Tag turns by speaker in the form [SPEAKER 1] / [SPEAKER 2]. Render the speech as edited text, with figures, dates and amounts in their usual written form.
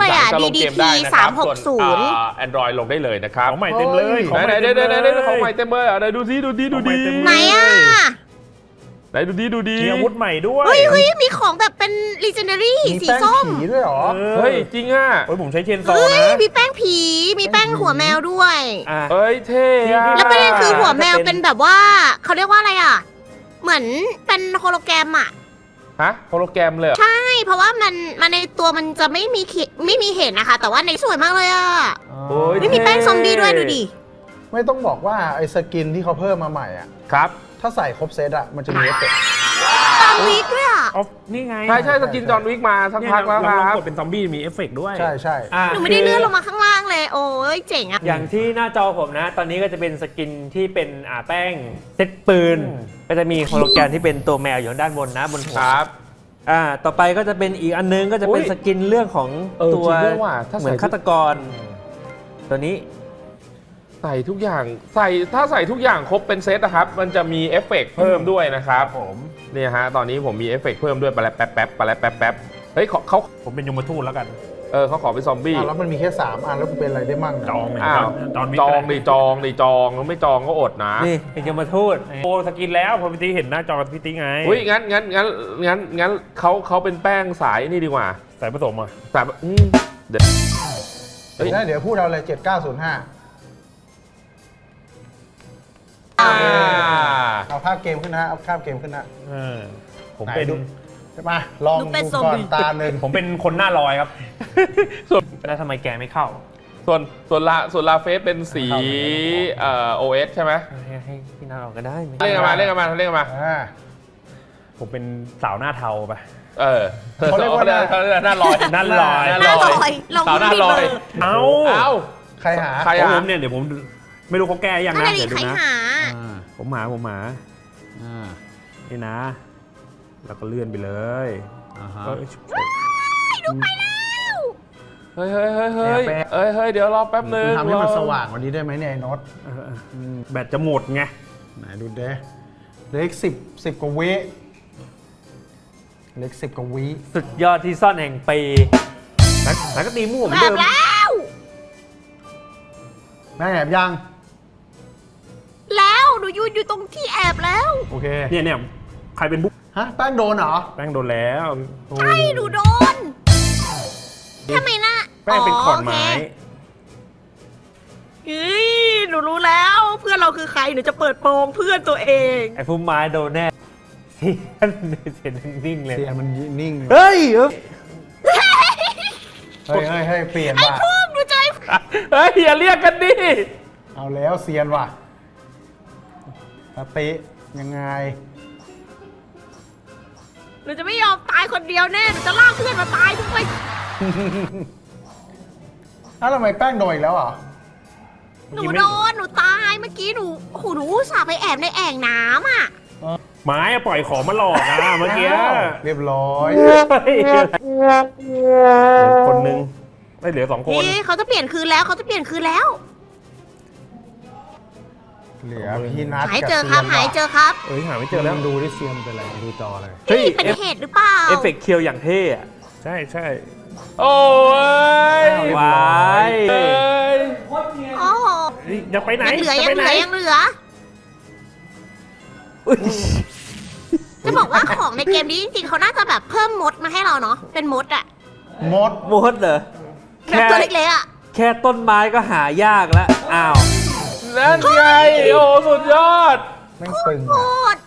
[SPEAKER 1] เลยอ่ะ DDT 360
[SPEAKER 2] Android ลงได้เลยนะครับ
[SPEAKER 3] ของใหม่เต็มเลย
[SPEAKER 2] ไหนของใหม่เต็มเลยไหนดูซิดูดี
[SPEAKER 1] ไหนอ่ะ
[SPEAKER 2] ไหนดูดี
[SPEAKER 3] มีอาวุธใหม่ด้วย
[SPEAKER 1] เฮ้ยมีของแบบเป็น Legendary
[SPEAKER 4] มี
[SPEAKER 1] สี
[SPEAKER 4] แป้ง
[SPEAKER 1] ส้ม
[SPEAKER 4] ผีด้วยเหรอ
[SPEAKER 2] เฮ้ยจริงอ่ะ
[SPEAKER 3] เฮ้ยผมใช้เชนโซ
[SPEAKER 1] เฮ้ย
[SPEAKER 3] นะ
[SPEAKER 1] มีแป้งผี มีแป้งหัวแมวด้วย
[SPEAKER 2] เฮ้ยเท่อะ
[SPEAKER 1] แล้วประเด็นคือหัวแมวเป็นแบบว่าเขาเรียกว่าอะไรอ่ะ เหมือนเป็นโฮโลแกรมอ่ะ
[SPEAKER 2] ฮะโฮโลแกรมเลยเหรอ
[SPEAKER 1] ใช่ เพราะว่ามันในตัวมันจะไม่มีเห็นนะคะ แต่ว่าในสวยมากเลยอ่ะ
[SPEAKER 2] โอ้ย
[SPEAKER 1] ไม่มีแป้งซอมบี้ด้วยดูดิ
[SPEAKER 4] ไม่ต้องบอกว่าไอ้สกินที่เขาเพิ่มมาใหม่อ่ะ
[SPEAKER 2] ครับ
[SPEAKER 4] ถ้าใส่ครบเซตอ่ะ มันจะมีเอฟเฟกต์
[SPEAKER 1] ตามวีคด้วยอ่ะ
[SPEAKER 3] ออฟนี่ไง
[SPEAKER 2] ใช่สกินจอห์นวิกมาสัก
[SPEAKER 3] เนี่ย
[SPEAKER 2] พักแล้วค
[SPEAKER 3] เรา
[SPEAKER 2] รับ
[SPEAKER 3] กดเป็นซอมบี้มีเอฟเฟกต์ด้วย
[SPEAKER 4] ใช่ใช่
[SPEAKER 1] หนูไม่ได้เลื่อนลงมาข้างล่างเลย โอ้ยเจ๋งอ่ะ
[SPEAKER 5] อย่างที่หน้าจอผมนะ ตอนนี้ก็จะเป็นสกินที่เป็นแป้งเซตปืน ก็จะมีโฮโลแกรมที่เป็นตัวแมวอยู่ด้านบนนะบนหัว
[SPEAKER 2] ครับ
[SPEAKER 5] ต่อไปก็จะเป็นอีกอันนึงก็จะเป็น
[SPEAKER 2] อุ๊ย
[SPEAKER 5] สกินเรื่องของ ตัว
[SPEAKER 2] จริงด้วยว่ะถ้าใส่
[SPEAKER 5] เหมือนฆาตกร ตัวนี้
[SPEAKER 2] ใส่ทุกอย่างถ้าใส่ทุกอย่างครบเป็นเซตนะครับ มันจะมีเอฟเฟกต์เพิ่มด้วยนะครับผมเนี่ยฮะตอนนี้ผมมีเอฟเฟกต์เพิ่มด้วยแป๊บเฮ้ยเขา
[SPEAKER 3] ผมเป็นยมทูตแล้วกัน
[SPEAKER 2] เขาขอเป็นซอมบี้
[SPEAKER 4] แล้วมันมีแค่3 อันแล้วกูเป็นอะไรได้มั่ง
[SPEAKER 3] จองเลย
[SPEAKER 2] อ้าว
[SPEAKER 3] จอง
[SPEAKER 2] จองแล้วไม่จองก็อดนะ
[SPEAKER 5] นี่เป็นยมทูต
[SPEAKER 3] โอ้สกินแล้วพอพี่ตีเห็นหน้าจอพี่ตีไง
[SPEAKER 2] อุ้ยงั้นเขาเป็นแป้งสายนี่ดีกว่า
[SPEAKER 3] ใส่ผสมอ่ะ
[SPEAKER 2] สายเดี๋ยว
[SPEAKER 4] เดี๋ยวพูดเอาเลย 7905 เอาภาพเกมขึ้นนะเอาภาพเกมขึ้นนะ
[SPEAKER 3] ผมเป็น
[SPEAKER 4] ไหนดู ใช่ปะลอง
[SPEAKER 1] ดู
[SPEAKER 4] ดู
[SPEAKER 1] เป็นซอม
[SPEAKER 4] ก่อน
[SPEAKER 1] บี้
[SPEAKER 4] ตาหนึ่ง
[SPEAKER 3] ผมเป็นคนหน้าลอยครับ
[SPEAKER 5] แล้วทำไมแกไม่เข้า
[SPEAKER 2] ส่วนลาเฟสเป็นสีOS ใช่ไหม
[SPEAKER 5] ให้พี่นาเราก็ได้ไหม
[SPEAKER 2] เล่นกันมา
[SPEAKER 3] ผมเป็นสาวหน้าเทาไป
[SPEAKER 2] เขาเรียกว่าหน้าลอย
[SPEAKER 3] หน้าลอย
[SPEAKER 1] หน้าลอยลง
[SPEAKER 2] สาวหน้าลอย
[SPEAKER 3] เอ้า
[SPEAKER 4] ใครหา
[SPEAKER 2] ใคร
[SPEAKER 3] ของ
[SPEAKER 2] อ่ะ
[SPEAKER 3] ผมเนี่ยเดี๋ยวผมไม่รู้เขาแก้ยัง
[SPEAKER 1] นั่น
[SPEAKER 3] นะ
[SPEAKER 1] แหละดิ
[SPEAKER 3] เดี๋ยว
[SPEAKER 1] ใค
[SPEAKER 3] ดู
[SPEAKER 1] ร
[SPEAKER 3] นะ
[SPEAKER 1] หา
[SPEAKER 3] ผมหมานี่นะ แล้วก็เลื่อนไปเลย
[SPEAKER 2] เฮ้ยเดี๋ยวรอแป๊บนึง
[SPEAKER 4] ทำให้มันสว่างกวันนี้ได้ไหมเนี่ยไอ้โน็อต
[SPEAKER 3] แบตจะหมดไง
[SPEAKER 4] ไหนดูเด้เล็ก10 กว่าวิเล็ก10 กว่าวิ
[SPEAKER 5] สุดยอดที่ซ่อนแห่งปี
[SPEAKER 3] แล้วก็ตีมั่วเหมือน
[SPEAKER 1] แบ
[SPEAKER 3] เดิ
[SPEAKER 1] บ
[SPEAKER 3] ม
[SPEAKER 1] แล้ว
[SPEAKER 4] แม่งแอบยัง
[SPEAKER 1] แล้วหนูยืนอยู่ตรงที่แอบแล้ว
[SPEAKER 4] โอเค
[SPEAKER 3] เนี่ยใครเป็นบุ๊ก
[SPEAKER 4] ฮะแป้งโดนเหรอ
[SPEAKER 3] แป้งโดนแล้ว
[SPEAKER 1] ใช่หนูโดนทำไมนะ
[SPEAKER 3] แป้งเป็นขอนไม้
[SPEAKER 1] เฮ้ยหนูรู้แล้วเพื่อนเราคือใครหนูจะเปิดโปงเพื่อนตัวเอง
[SPEAKER 5] ไอ้พุ่มไม้โดนแน่เสียนิ่งเลย
[SPEAKER 4] เสียมันนิ่ง
[SPEAKER 5] เฮ้ย
[SPEAKER 4] เฮ้ยเปลี่ยนว่ะ
[SPEAKER 1] พวกหนูใจ
[SPEAKER 2] เฮ้ยอย่าเรียกกันดิ
[SPEAKER 4] เอาแล้วเซียนว่ะสติยังไง
[SPEAKER 1] หนูจะไม่ยอมตายคนเดียวแน่หนูจะลากเพื่อนมาตายด้วย
[SPEAKER 4] อ้าวทำไมแป้งโดนอีกแล้วเหรอ
[SPEAKER 1] หนูโดนหนูตายเมื่อกี้หนูโอ้โหหนูอุตส่าห์ไปแอบในแอ่งน้ำอ่ะ
[SPEAKER 3] ไม้ปล่อยของมาหลอกนะเมื่อกี้
[SPEAKER 4] เรียบร้อย
[SPEAKER 3] เหลือคนนึงไม่เหลือ2 คน
[SPEAKER 1] นี่เขาจะเปลี่ยนคืนแล้วเขาจะเปลี่ยนคืนแล้ว
[SPEAKER 4] เหลือพี่นัท
[SPEAKER 1] หายเจอครับหายเจอครับ
[SPEAKER 3] หาไม่เจ
[SPEAKER 4] เจ
[SPEAKER 3] อ
[SPEAKER 4] อ
[SPEAKER 3] แล้
[SPEAKER 4] แล้ว วดูที่เซียนเป็นอะไรดูจออะไร
[SPEAKER 5] เฮ้ย
[SPEAKER 1] นี่เป็นเหตุหรือเปล่า
[SPEAKER 5] เอฟเฟกต์เคียวอย่างเท่อะ
[SPEAKER 3] ใช่
[SPEAKER 2] โอ้ย
[SPEAKER 5] ว้าย
[SPEAKER 2] เอ้ย
[SPEAKER 1] โอ้โห
[SPEAKER 3] อย่าไปไหน
[SPEAKER 1] ยังเหลือ
[SPEAKER 3] จะ
[SPEAKER 1] ยัง
[SPEAKER 3] ไป
[SPEAKER 1] เห
[SPEAKER 3] ไหน
[SPEAKER 1] ลือจะบอกว่าของในเกมนี้จริงๆเขาน่าจะแบบเพิ่มมดมาให้เราเนาะเป็นมดอะ
[SPEAKER 4] มด
[SPEAKER 5] มดเหรอ
[SPEAKER 1] แบบตัวเล็กๆอะ
[SPEAKER 5] แค่ต้นไม้ก็หายากแล้ว อ้าว
[SPEAKER 2] นั่นไงโอ้สุดยอด
[SPEAKER 4] แม่งตึง
[SPEAKER 1] โค
[SPEAKER 4] อะ
[SPEAKER 1] ตร